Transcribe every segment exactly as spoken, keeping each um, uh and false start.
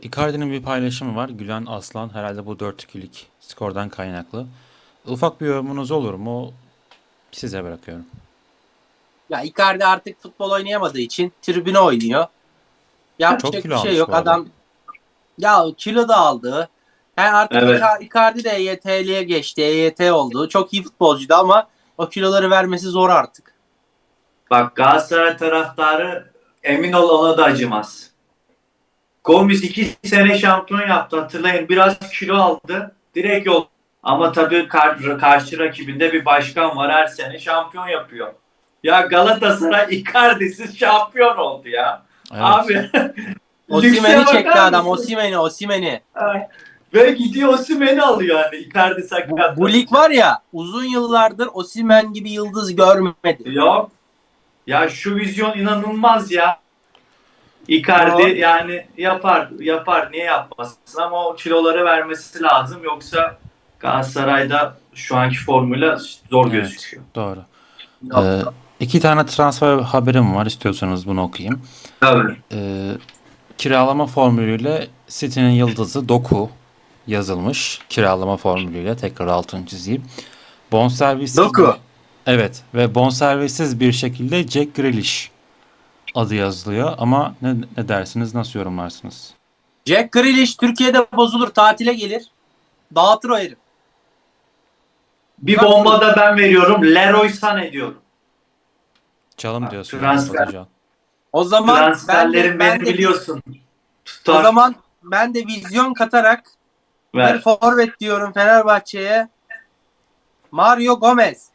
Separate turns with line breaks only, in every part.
Icardi'nin bir paylaşımı var. Gülen Aslan herhalde bu dört ikilik skordan kaynaklı. Ufak bir yorumunuz olur mu? Size bırakıyorum.
Ya Icardi artık futbol oynayamadığı için tribüne oynuyor.
Çok
Yapacak
kilo
bir şey
almış
yok.
bu arada.
Adam ya kilo da aldı. Yani artık
Evet.
Ica- Icardi de E Y T'liye geçti. E Y T oldu. Çok iyi futbolcuydu ama o kiloları vermesi zor artık.
Bak Galatasaray taraftarı emin ol ona da acımaz. Gomis iki sene şampiyon yaptı hatırlayın. Biraz kilo aldı. Direkt yol. Ama tabii kar- karşı rakibinde bir başkan var her sene şampiyon yapıyor. Ya Galatasaray Icardi'siz şampiyon oldu ya.
Evet.
Abi
Osimhen'i
lükse
çekti
bakar
adam.
mısın?
Osimhen'i, Osimhen'i.
Ha. Ve gidiyor Osimhen'i alıyor yani Icardi
Bu, bu lig
sakatlanınca.
var ya uzun yıllardır Osimhen gibi yıldız görmedi.
Ya, ya şu vizyon inanılmaz ya. Icardi
O,
yani yapar yapar niye yapmasın ama o kiloları vermesi lazım yoksa Galatasaray'da şu anki formuyla zor
Evet.
gözüküyor.
Doğru. Ee, iki tane transfer haberim var. İstiyorsanız bunu okuyayım.
Tabii.
Ee, kiralama formülüyle City'nin yıldızı Doku yazılmış. Kiralama formülüyle tekrar altını çizeyim. Bonservissiz bir...
Doku.
Evet ve bonservissiz bir şekilde Jack Grealish adı yazılıyor ama ne, ne dersiniz, nasıl yorumlarsınız?
Jack Grealish Türkiye'de bozulur, tatile gelir. Dağıtır o herif.
Bir
Uzak durun.
bomba da ben veriyorum. Leroy Sané diyorum.
Çalım
Bak,
diyorsun yani
transfer,
Batucan.
O zaman ben de
transferlerin
ben
beni
de viz,
biliyorsun.
o
Tutar.
zaman ben de vizyon katarak bir
Ver.
forvet diyorum Fenerbahçe'ye. Mario Gomez.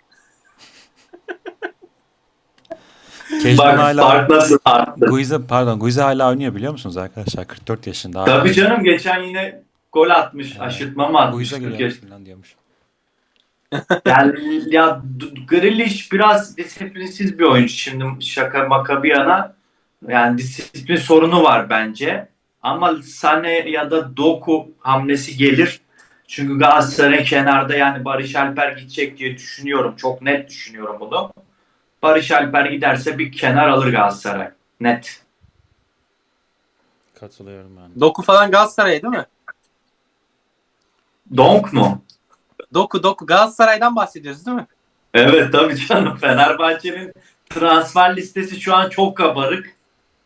Kejman
Bak
hala
fark nasıl arttı.
Guiza pardon Guiza hala oynuyor biliyor musunuz arkadaşlar? kırk dört yaşında hala
Tabii
oynuyor.
canım geçen yine gol atmış.
Ee,
Aşırtma mı atmış?
Guiza
kırk
geliyormuş
yaş.
falan diyormuş.
Yani ya D- Grealish biraz disiplinsiz bir oyuncu. Şimdi şaka maka bir yana yani disiplin sorunu var bence. Ama Sané ya da Doku hamlesi gelir. Çünkü Galatasaray kenarda yani Barış Alper gidecek diye düşünüyorum. Çok net düşünüyorum bunu. Barış Alper giderse bir kenar alır Galatasaray. Net.
Katılıyorum ben de.
Doku falan Galatasaray değil mi?
Donk mu?
Doku Doku Galatasaray'dan bahsediyoruz değil mi?
Evet tabii canım. Fenerbahçe'nin transfer listesi şu an çok kabarık.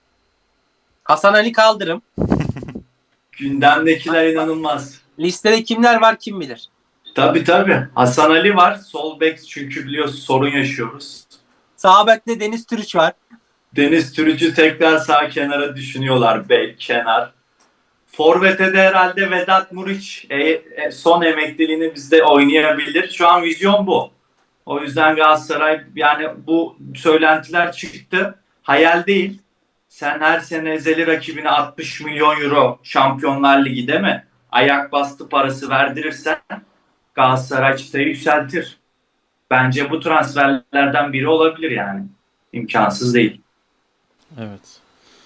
Hasan Ali Kaldırım.
Gündemdekiler inanılmaz.
Listede kimler var kim bilir.
Tabii tabii. Hasan Ali var. Sol bek çünkü biliyorsun sorun yaşıyoruz.
Sağ bekte Deniz Türüç var.
Deniz Türücü tekrar sağ kenara düşünüyorlar. Bek, kenar. Forvet'e de herhalde Vedat Muriç e, e, son emekliliğini bizde oynayabilir. Şu an vizyon bu. O yüzden Galatasaray yani bu söylentiler çıktı. Hayal değil. Sen her sene ezeli rakibine altmış milyon euro Şampiyonlar Ligi değil mi? Ayak bastı parası verdirirsen Galatasaray çıtayı yükseltir. Bence bu transferlerden biri olabilir yani. İmkansız değil.
Evet.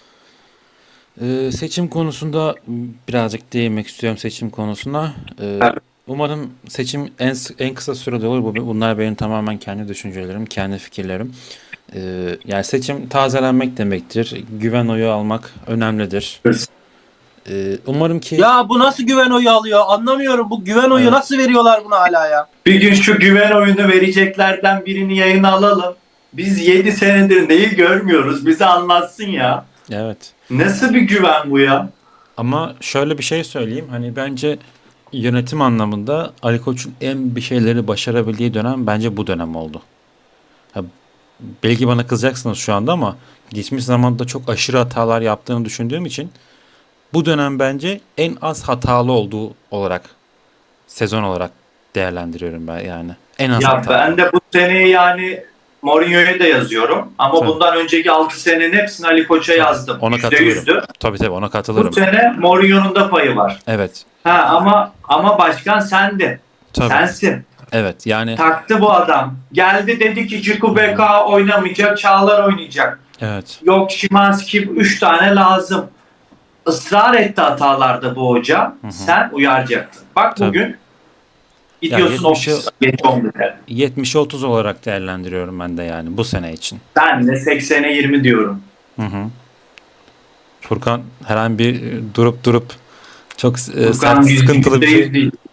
Ee, seçim konusunda birazcık değinmek istiyorum seçim konusuna. Ee, umarım seçim en en kısa sürede olur. Bu bunlar benim tamamen kendi düşüncelerim, kendi fikirlerim. Ee, yani seçim tazelenmek demektir. Güven oyu almak önemlidir. Ee, umarım ki
Ya bu nasıl güven oyu alıyor? Anlamıyorum. Bu güven oyu
evet,
nasıl veriyorlar buna hala ya?
Bir gün şu güven oyunu vereceklerden birini yayına alalım. Biz yedi senedir neyi görmüyoruz? Bize anlatsın ya.
evet.
Nasıl bir güven bu ya?
Ama şöyle bir şey söyleyeyim. Hani bence yönetim anlamında Ali Koç'un en bir şeyleri başarabildiği dönem bence bu dönem oldu. Ha, belki bana kızacaksınız şu anda ama geçmiş zamanda çok aşırı hatalar yaptığını düşündüğüm için bu dönem bence en az hatalı olduğu olarak sezon olarak değerlendiriyorum ben yani. En az
Ya
hatalı.
ben de bu seneyi yani Mourinho'ya da yazıyorum. Ama
Tabii,
bundan önceki altı senenin hepsini Ali Koç'a
tabii.
yazdım.
Ona
Yüzde
katılırım.
yüzdü.
Tabii tabii ona
Bu
katılırım.
sene Mourinho'nun da payı var.
Evet.
Ha ama ama başkan sendin.
Tabii.
Sensin.
Evet. Yani
Taktı bu adam. Geldi dedi ki Ciku B K oynamayacak, Çağlar oynayacak.
evet.
Yok Şimanski üç tane lazım. Israr etti hatalarda bu hoca.
Hı hı.
Sen uyaracaktın. Bak
Tabii.
bugün gidiyorsun
Ya yetmişi
ofis geç on bire.
yetmişe otuz olarak değerlendiriyorum ben de yani bu sene için.
Ben de seksene yirmi diyorum.
Hı hı. Furkan herhangi bir durup durup Çok e,
Furkan
sert, sıkıntılı bir
yüzde yüz
şey.
değil.